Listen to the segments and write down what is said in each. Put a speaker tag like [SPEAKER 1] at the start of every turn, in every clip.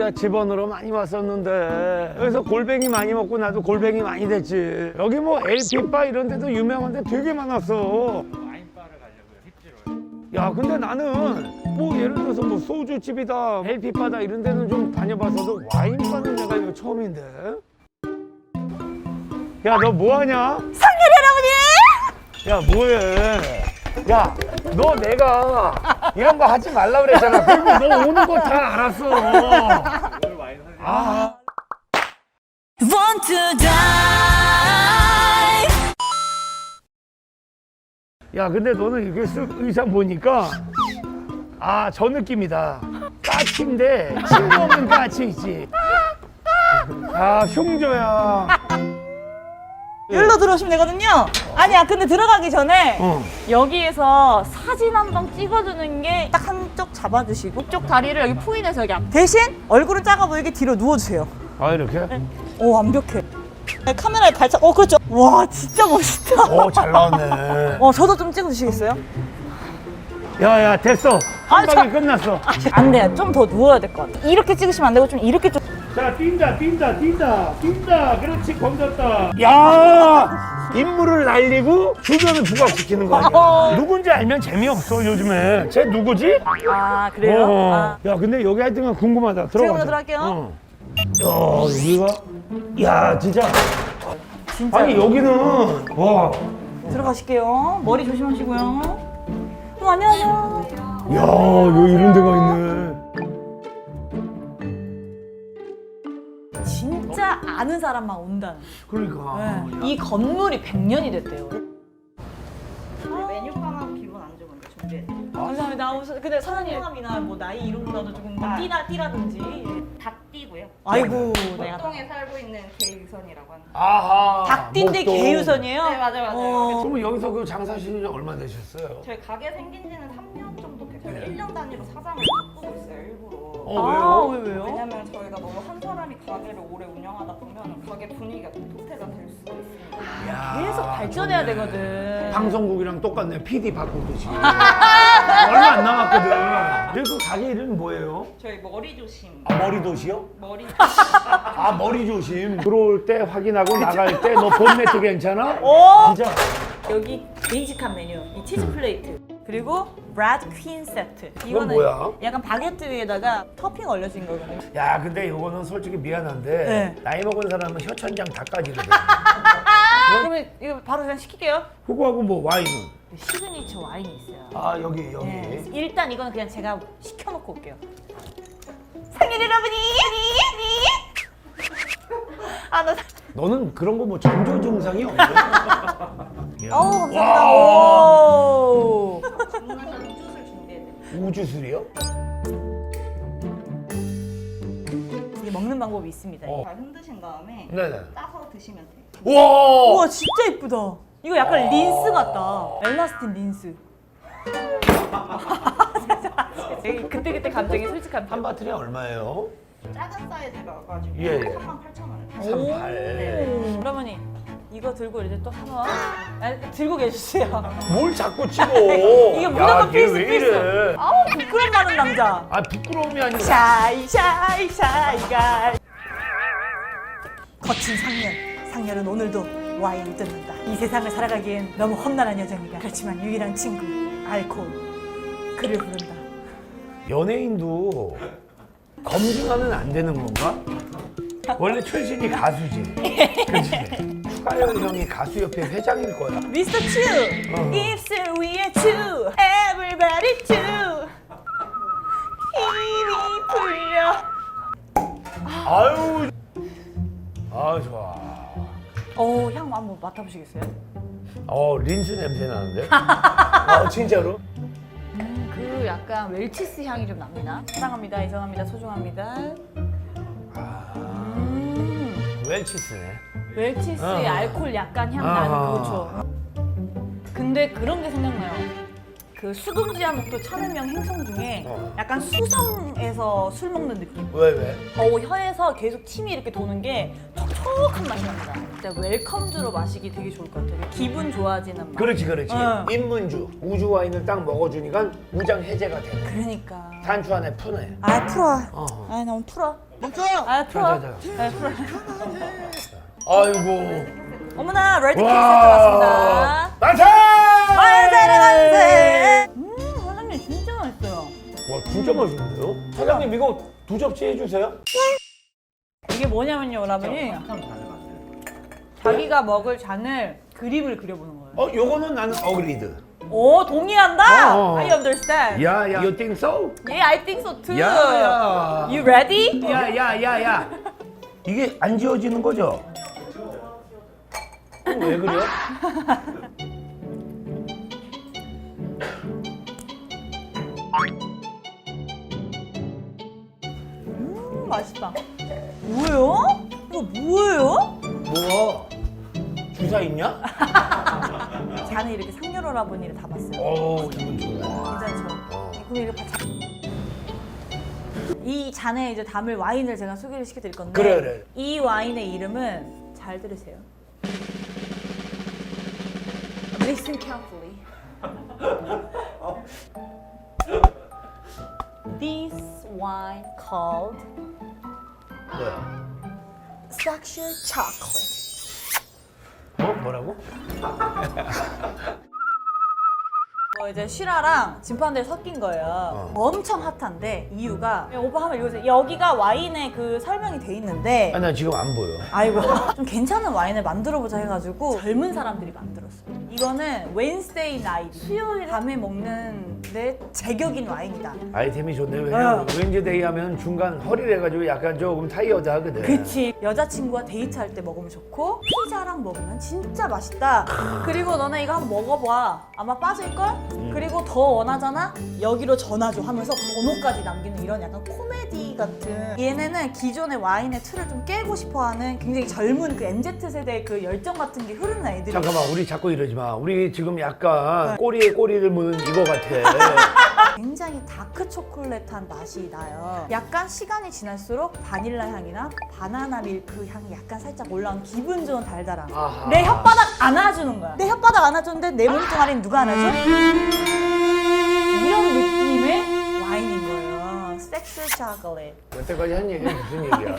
[SPEAKER 1] 내가 집원으로 많이 왔었는데 여기서 골뱅이 많이 먹고 나도 골뱅이 많이 됐지. 여기 뭐 LP바 이런 데도 유명한 데 되게 많았어.
[SPEAKER 2] 와인바를 가려고요. 힙지로.
[SPEAKER 1] 야 근데 나는 뭐 예를 들어서 뭐 소주집이다 LP바다 이런 데는 좀 다녀봤어도 와인바는 내가 이거 처음인데. 야 너 뭐하냐?
[SPEAKER 3] 상렬이 할아버지!
[SPEAKER 1] 야 뭐해? 야 너 내가 이런 거 하지 말라 그랬잖아. 그리고 너 오는 거 다 알았어.
[SPEAKER 2] 오늘 와인 사세요.
[SPEAKER 1] 아.
[SPEAKER 3] Want to die.
[SPEAKER 1] 야 근데 너는 이렇게 쓱 의상 보니까 아 저 느낌이다. 까치인데 친구 없는 까치 있지. 아 흉조야.
[SPEAKER 3] 여기로 들어오시면 되거든요. 아니야, 근데 들어가기 전에
[SPEAKER 1] 어.
[SPEAKER 3] 여기에서 사진 한 방 찍어주는 게 딱 한쪽 잡아주시고 이쪽 다리를 여기 포인해서 여기 대신 얼굴은 작아 보이게 뒤로 누워주세요.
[SPEAKER 1] 아 이렇게?
[SPEAKER 3] 오, 완벽해. 카메라에 발차, 그렇죠. 와, 진짜 멋있다.
[SPEAKER 1] 오 잘 나왔네.
[SPEAKER 3] 저도 좀 찍어주시겠어요?
[SPEAKER 1] 야야 됐어. 한
[SPEAKER 3] 아,
[SPEAKER 1] 방에 끝났어.
[SPEAKER 3] 안 돼요. 좀 더 누워야 될 것 같아. 이렇게 찍으시면 안 되고 좀 이렇게 좀.
[SPEAKER 1] 자 뛴다. 그렇지 건졌다. 야 인물을 날리고 주변을 부각시키는 거 아니야. 누군지 알면 재미없어 요즘에. 쟤 누구지?
[SPEAKER 3] 아, 그래요? 아.
[SPEAKER 1] 야 근데 여기 하여튼 궁금하다. 들어가자.
[SPEAKER 3] 들어갈게요.
[SPEAKER 1] 야 여기가 야 진짜
[SPEAKER 3] 진짜.
[SPEAKER 1] 아니 여기는 와.
[SPEAKER 3] 들어가실게요. 머리 조심하시고요. 안녕하세요.
[SPEAKER 1] 야 여기 이런 데가 있네.
[SPEAKER 3] 진짜 아는 사람만 온다는.
[SPEAKER 1] 그러니까.
[SPEAKER 3] 이 건물이 100년이 됐대요.
[SPEAKER 4] 메뉴판하고 기본 안주 먼저 준비해드릴게요.
[SPEAKER 3] 감사합니다. 근데 사장님 성함이나 뭐 나이 이런 거라도 조금 띠라든지.
[SPEAKER 4] 닭띠고요.
[SPEAKER 3] 아이고, 내가.
[SPEAKER 4] 목동에 살고 있는 개유선이라고 합니다.
[SPEAKER 1] 아하.
[SPEAKER 3] 닭띠인데
[SPEAKER 1] 목동.
[SPEAKER 3] 개유선이에요?
[SPEAKER 4] 네, 맞아요.
[SPEAKER 1] 그러면 여기서 그 장사하신 지 얼마 되셨어요?
[SPEAKER 4] 저희 가게 생긴 지는 3년 정도 됐어요.
[SPEAKER 3] 네.
[SPEAKER 4] 1년 단위로 사장을 바꾸고 있어요, 일부러.
[SPEAKER 1] 왜요?
[SPEAKER 4] 왜냐면 저희가 너무 한 사람이 가게를 오래 운영하다 보면 가게 분위기가 도태가 될 수가 있습니다.
[SPEAKER 3] 계속 발전해야 되거든.
[SPEAKER 1] 방송국이랑 똑같네. PD 바꾸듯이. 얼마 안 남았거든. 그리고 그 가게 이름이 뭐예요?
[SPEAKER 4] 저희 머리 조심.
[SPEAKER 1] 아, 머리도시요?
[SPEAKER 4] 머리
[SPEAKER 1] 아, 머리 조심. 들어올 때 확인하고 나갈 때 너 본네트 괜찮아?
[SPEAKER 3] 오!
[SPEAKER 1] 진짜.
[SPEAKER 3] 여기 빈식한 메뉴, 이 치즈 플레이트. 그리고 브라드 퀸 세트.
[SPEAKER 1] 이건 뭐야?
[SPEAKER 3] 약간 바게트 위에다가 토핑 올려진 거거든요.
[SPEAKER 1] 야, 근데 이거는 솔직히 미안한데
[SPEAKER 3] 네.
[SPEAKER 1] 나이 먹은 사람은 혀천장 다 까지거든.
[SPEAKER 3] 그러면 이거 바로 그냥 시킬게요.
[SPEAKER 1] 그거하고 뭐 와인은?
[SPEAKER 3] 시그니처 와인이 있어요.
[SPEAKER 1] 아, 여기.
[SPEAKER 3] 네. 일단 이거는 그냥 제가 시켜놓고 올게요. 상일 여러분이! 아, 나.
[SPEAKER 1] 너는 그런 거 뭐 전조 증상이 없냐?
[SPEAKER 3] 감사합니다. 오.
[SPEAKER 4] 주문하신 우주술 준비해드릴게요.
[SPEAKER 1] 우주술이요?
[SPEAKER 3] 이게 먹는 방법이 있습니다.
[SPEAKER 1] 어.
[SPEAKER 4] 잘 흔드신 다음에
[SPEAKER 1] 네네.
[SPEAKER 4] 따서 드시면 돼요.
[SPEAKER 1] 우와!
[SPEAKER 3] 우와, 진짜 예쁘다. 이거 약간 린스 같다. 엘라스틴 린스. 그때그때 감정이 솔직한
[SPEAKER 1] 한 바트리 얼마예요?
[SPEAKER 4] 작은 사이즈가 가지고
[SPEAKER 1] 예.
[SPEAKER 4] 38,000원.
[SPEAKER 1] 38.
[SPEAKER 3] 어머니, 이거 들고 이제 또 한번 들고 계주세요.
[SPEAKER 1] 뭘 자꾸 찍어?
[SPEAKER 3] 이게 무조건
[SPEAKER 1] 야,
[SPEAKER 3] 필수,
[SPEAKER 1] 얘왜 이래?
[SPEAKER 3] 아우, 부끄럼 많은 남자.
[SPEAKER 1] 아, 부끄러움이 아니라.
[SPEAKER 3] 샤이가. 거친 상렬은 오늘도 와인을 뜯는다. 이 세상을 살아가기엔 너무 험난한 여정이다. 그렇지만 유일한 친구, 알코올. 그를 부른다.
[SPEAKER 1] 연예인도 검증하면 안 되는 건가? 원래 출신이 가수지. 그치? 추가열 형이 가수협회 회장일 거야.
[SPEAKER 3] 미스터 츄! 입술 위에 츄! Everybody 츄! 힘이 풀려.
[SPEAKER 1] 아유. 아, 좋아.
[SPEAKER 3] 향 한번 맡아보시겠어요?
[SPEAKER 1] 린스 냄새 나는데? 진짜로?
[SPEAKER 3] 그 약간 웰치스 향이 좀 납니다. 사랑합니다, 이성합니다, 소중합니다.
[SPEAKER 1] 웰치스네.
[SPEAKER 3] 웰치스의 알코올 약간 향 나는 그렇죠. 근데 그런 게 생각나요. 그 수금지와 목도 천은명 행성 중에 약간 수성에서 술 먹는 느낌.
[SPEAKER 1] 왜?
[SPEAKER 3] 혀에서 계속 침이 이렇게 도는 게 촉촉한 맛이 납니다. 진짜 웰컴주로 마시기 되게 좋을 것 같아요. 기분 좋아지는 맛.
[SPEAKER 1] 그렇지.
[SPEAKER 3] 응.
[SPEAKER 1] 인문주. 우주 와인을 딱 먹어주니까 우장 해제가 되네.
[SPEAKER 3] 그러니까.
[SPEAKER 1] 산초 안에 푸네.
[SPEAKER 3] 아, 풀어.
[SPEAKER 1] 어허.
[SPEAKER 3] 아, 너무 풀어. 아 풀어.
[SPEAKER 1] 자.
[SPEAKER 3] 네, 풀어.
[SPEAKER 1] 아이고.
[SPEAKER 3] 어머나 레드 케이크 세트 왔습니다.
[SPEAKER 1] 만세!
[SPEAKER 3] 만세! 사장님 진짜 맛있어요.
[SPEAKER 1] 와 진짜 맛있는데요? 사장님 이거 2접시 해주세요.
[SPEAKER 3] 이게 뭐냐면요, 여러분이 자기가 먹을 잔을 그림을 그려보는 거예요.
[SPEAKER 1] 요거는 나는 어그리드.
[SPEAKER 3] 오, 동의한다.
[SPEAKER 1] 어.
[SPEAKER 3] I understand.
[SPEAKER 1] 야야. You think so?
[SPEAKER 3] Yeah, I think so too.
[SPEAKER 1] 야야.
[SPEAKER 3] You ready?
[SPEAKER 1] 야야야야. 이게 안 지워지는 거죠? 왜 그래?
[SPEAKER 3] 맛있다. 뭐예요? 이거 뭐예요?
[SPEAKER 1] 뭐? 주사 있냐?
[SPEAKER 3] 잔에 이렇게 상여로라보니를 담았어요.
[SPEAKER 1] 오 기분 좋네.
[SPEAKER 3] 괜찮죠? 그럼 이렇게 이 잔에 이제 담을 와인을 제가 소개를 시켜드릴 건데
[SPEAKER 1] 그래.
[SPEAKER 3] 이 와인의 이름은 잘 들으세요. Listen carefully. This wine called
[SPEAKER 1] 뭐야?
[SPEAKER 3] Sexual Chocolate.
[SPEAKER 1] 뭐라고?
[SPEAKER 3] 이제 시라랑 진판들 섞인 거예요. 엄청 핫한데 이유가 오빠 한번 읽어주세요. 여기가 와인의 그 설명이 돼 있는데
[SPEAKER 1] 나 지금 안 보여.
[SPEAKER 3] 아이고 좀 괜찮은 와인을 만들어보자 해가지고 젊은 사람들이 만들었어요. 이거는 Wednesday night 수요일 밤에 먹는 데 제격인 와인이다.
[SPEAKER 1] 아이템이 좋네. 왜냐면 왠지데이 하면 중간 허리를 해가지고 약간 조금 타이어드 하거든.
[SPEAKER 3] 그치. 여자친구와 데이트할 때 먹으면 좋고 피자랑 먹으면 진짜 맛있다. 그리고 너네 이거 한번 먹어봐. 아마 빠질걸? 그리고 더 원하잖아? 여기로 전화줘 하면서 번호까지 남기는 이런 약간 코미디 같은. 얘네는 기존의 와인의 틀을 좀 깨고 싶어하는 굉장히 젊은 그 MZ세대의 그 열정 같은 게 흐르는 애들이.
[SPEAKER 1] 잠깐만 우리 자꾸 이러지 마. 우리 지금 약간 꼬리에 꼬리를 무는 이거 같아.
[SPEAKER 3] 굉장히 다크 초콜릿한 맛이 나요. 약간 시간이 지날수록 바닐라 향이나 바나나 밀크 향이 약간 살짝 올라온 기분 좋은 달달함.
[SPEAKER 1] 아하.
[SPEAKER 3] 내 혓바닥 안아주는 거야. 내 혓바닥 안아주는데 내 몸뚱아리는 누가 안아줘? 이런 느낌의 와인인 거예요. 섹스 초콜릿.
[SPEAKER 1] 여태까지 한 얘기는 무슨 얘기야?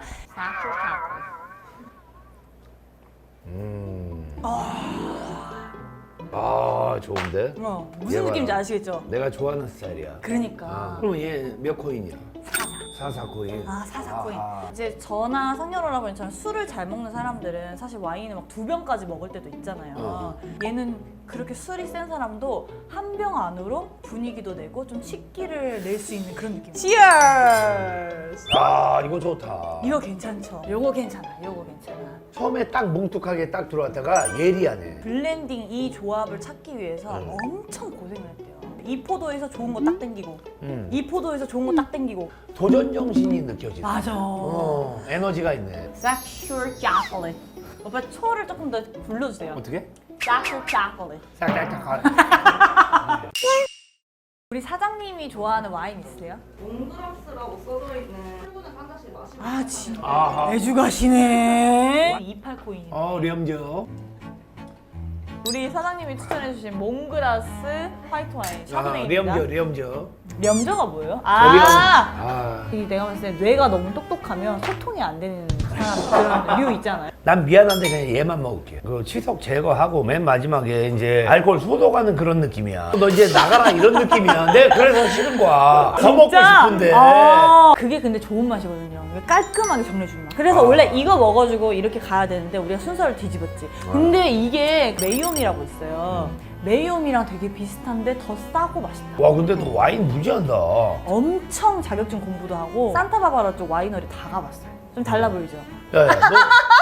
[SPEAKER 1] 아 좋은데?
[SPEAKER 3] 무슨
[SPEAKER 1] 얘가
[SPEAKER 3] 느낌인지 아시겠죠?
[SPEAKER 1] 내가 좋아하는 스타일이야.
[SPEAKER 3] 그러니까.
[SPEAKER 1] 그럼 얘 몇 코인이야? 4코인.
[SPEAKER 3] 아, 사사코인.
[SPEAKER 1] 아하.
[SPEAKER 3] 이제 저나 상여러라버니처럼 술을 잘 먹는 사람들은 사실 와인을 막 2병까지 먹을 때도 있잖아요. 얘는 그렇게 술이 센 사람도 한 병 안으로 분위기도 내고 좀 식기를 낼 수 있는 그런 느낌. Cheers!
[SPEAKER 1] 아 이거 좋다.
[SPEAKER 3] 이거 괜찮죠? 요거 괜찮아. 요거 괜찮아.
[SPEAKER 1] 처음에 딱 뭉툭하게 딱 들어왔다가 예리하네.
[SPEAKER 3] 블렌딩 이 조합을 찾기 위해서 엄청 고생을 했대요. 이 포도에서 좋은 거 딱 땡기고 이 포도에서 좋은 거 딱 땡기고.
[SPEAKER 1] 도전 정신이 느껴지네.
[SPEAKER 3] 맞아.
[SPEAKER 1] 에너지가 있네.
[SPEAKER 3] Sexual chocolate. 오빠 초를 조금 더 불러주세요.
[SPEAKER 1] 어떻게?
[SPEAKER 3] Sexual chocolate.
[SPEAKER 1] 싹싹싹.
[SPEAKER 3] 우리 사장님이 좋아하는 와인 있으세요?
[SPEAKER 4] 몽그라스라고 써져 있는 출근을 한 잔씩 마시고
[SPEAKER 3] 아 진짜
[SPEAKER 1] 아하.
[SPEAKER 3] 매주 가시네. 28코인이요.
[SPEAKER 1] 렴저.
[SPEAKER 3] 우리 사장님이 추천해주신 몽그라스 화이트 와인 샤브네입니다.
[SPEAKER 1] 렴저.
[SPEAKER 3] 렴저가 뭐예요? 이 내가 봤을 때 뇌가 너무 똑똑하면 소통이 안 되는 사람 그런 류 있잖아요.
[SPEAKER 1] 난 미안한데 그냥 얘만 먹을게. 그 치석 제거하고 맨 마지막에 이제 알코올 소독하는 그런 느낌이야. 너 이제 나가라 이런 느낌이야. 내가 그래서 싫은 거야. 더 먹고 싶은데.
[SPEAKER 3] 그게 근데 좋은 맛이거든요. 깔끔하게 정리해주는 맛. 그래서 원래 이거 먹어주고 이렇게 가야 되는데 우리가 순서를 뒤집었지. 근데 이게 메이옴이라고 있어요. 메이옴이랑 되게 비슷한데 더 싸고 맛있다.
[SPEAKER 1] 와 근데 너 와인 무지한다.
[SPEAKER 3] 엄청 자격증 공부도 하고 산타바바라 쪽 와이너리 다 가봤어요. 좀 달라 보이죠?
[SPEAKER 1] 야야 너.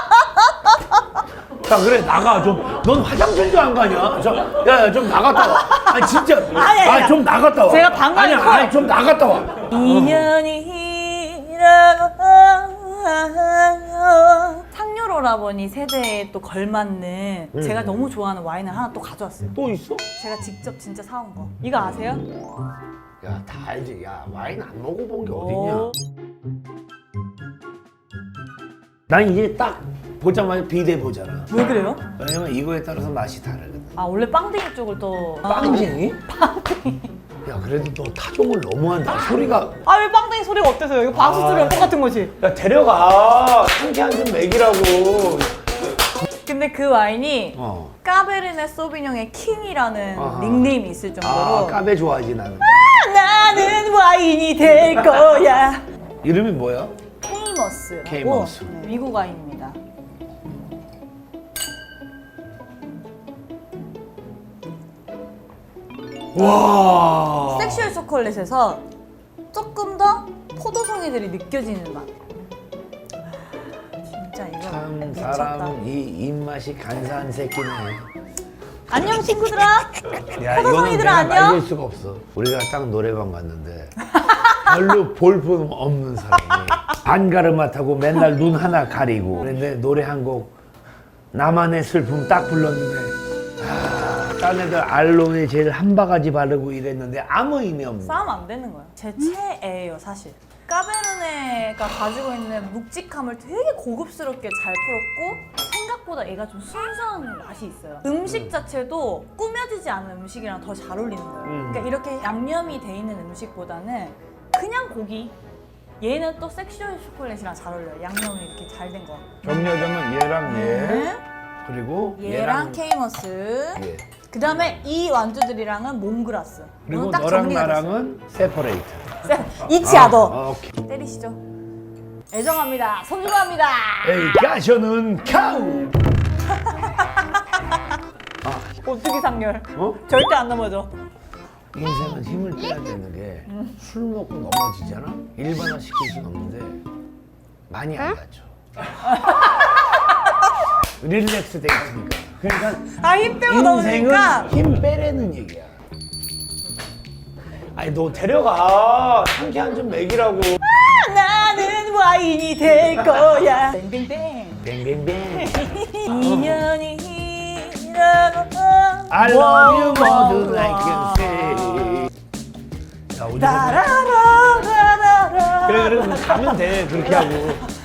[SPEAKER 1] 야 그래 나가 좀. 넌 화장실도 안 가냐? 야야 좀 나갔다 와. 아니 진짜.
[SPEAKER 3] 아니.
[SPEAKER 1] 좀 나갔다 와.
[SPEAKER 3] 제가 방금
[SPEAKER 1] 아니 좀 나갔다 와.
[SPEAKER 3] 인연이라고 상요로라버니 세대에 또 걸맞는 제가 너무 좋아하는 와인을 하나 또 가져왔어요.
[SPEAKER 1] 또 있어?
[SPEAKER 3] 제가 직접 진짜 사온 거. 이거 아세요?
[SPEAKER 1] 야 다 알지. 야 와인 안 먹어본 게 어딨냐? 난 이제 딱 보자마자 비대 보잖아.
[SPEAKER 3] 왜 그래요?
[SPEAKER 1] 왜냐면 이거에 따라서 맛이 다르거든.
[SPEAKER 3] 아 원래 빵댕이 쪽을 또
[SPEAKER 1] 빵쟁이? 야 그래도 너 타종을 너무한다. 소리가
[SPEAKER 3] 아 왜 빵댕이 소리가 어때서요? 이거 방수 소리랑 똑같은 거지.
[SPEAKER 1] 야 데려가 상쾌한 좀 먹이라고.
[SPEAKER 3] 근데 그 와인이
[SPEAKER 1] 어.
[SPEAKER 3] 까베르네 소비뇽의 킹이라는
[SPEAKER 1] 아하.
[SPEAKER 3] 닉네임이 있을 정도로
[SPEAKER 1] 아 까베 좋아하지 나는.
[SPEAKER 3] 나는 와인이 될 거야.
[SPEAKER 1] 이름이 뭐야?
[SPEAKER 3] 케이머스라고
[SPEAKER 1] 케이머스.
[SPEAKER 3] 네, 미국 와인입니다.
[SPEAKER 1] 와.
[SPEAKER 3] 섹슈얼 초콜릿에서 조금 더 포도송이들이 느껴지는 맛. 진짜 이거
[SPEAKER 1] 참
[SPEAKER 3] 미쳤다.
[SPEAKER 1] 사람 이 입맛이 간사한 새끼네.
[SPEAKER 3] 안녕 친구들아.
[SPEAKER 1] 야 이거는
[SPEAKER 3] 포도송이들아,
[SPEAKER 1] 내가
[SPEAKER 3] 안녕?
[SPEAKER 1] 말릴 수가 없어. 우리가 딱 노래방 갔는데 별로 볼품 없는 사람이 반가르마 타고 맨날 눈 하나 가리고 그런데 노래 한 곡 나만의 슬픔 딱 불렀는데 딴 애들 알로에 젤 한 바가지 바르고 이랬는데 아무 의미 없는.
[SPEAKER 3] 싸움 안 되는 거야. 제 최애예요 사실. 까베르네가 가지고 있는 묵직함을 되게 고급스럽게 잘 풀었고 생각보다 얘가 좀 순수한 맛이 있어요. 음식 자체도 꾸며지지 않은 음식이랑 더 잘 어울리는 거예요. 그러니까 이렇게 양념이 돼 있는 음식보다는 그냥 고기. 얘는 또 섹슈얼 초콜릿이랑 잘 어울려요. 양념이 이렇게 잘 된 거.
[SPEAKER 1] 정여정은 얘랑 얘 그리고
[SPEAKER 3] 얘랑 케이머스.
[SPEAKER 1] 얘
[SPEAKER 3] 그 다음에 이 완주들이랑은 몽그라스.
[SPEAKER 1] 그리고
[SPEAKER 3] 오늘 딱
[SPEAKER 1] 너랑
[SPEAKER 3] 정리가 됐어요.
[SPEAKER 1] 나랑은 세퍼레이트.
[SPEAKER 3] 이치아더.
[SPEAKER 1] 오케이.
[SPEAKER 3] 때리시죠. 애정합니다. 소중합니다.
[SPEAKER 1] 에이 가셔는 카우.
[SPEAKER 3] 오뚜기 상렬.
[SPEAKER 1] 어?
[SPEAKER 3] 절대 안 넘어져.
[SPEAKER 1] 인생은 힘을 빼야 되는 게 술 먹고 넘어지잖아? 일반화 시킬 순 없는데 많이 안 다쳐. 릴렉스 돼 있으니까. 그러니까
[SPEAKER 3] 힘 빼고
[SPEAKER 1] 인생은
[SPEAKER 3] 넘으니까.
[SPEAKER 1] 힘 빼라는 얘기야. 아니 너 데려가 상쾌한 좀 먹이라고.
[SPEAKER 3] 나는 와인이 될 거야. 뱅뱅뱅.
[SPEAKER 1] 뱅뱅뱅.
[SPEAKER 3] 인연이 이라고.
[SPEAKER 1] I love you more than I can say. 야, 우리
[SPEAKER 3] 따라라라라라.
[SPEAKER 1] 그래 그럼 가면 돼 그렇게 하고.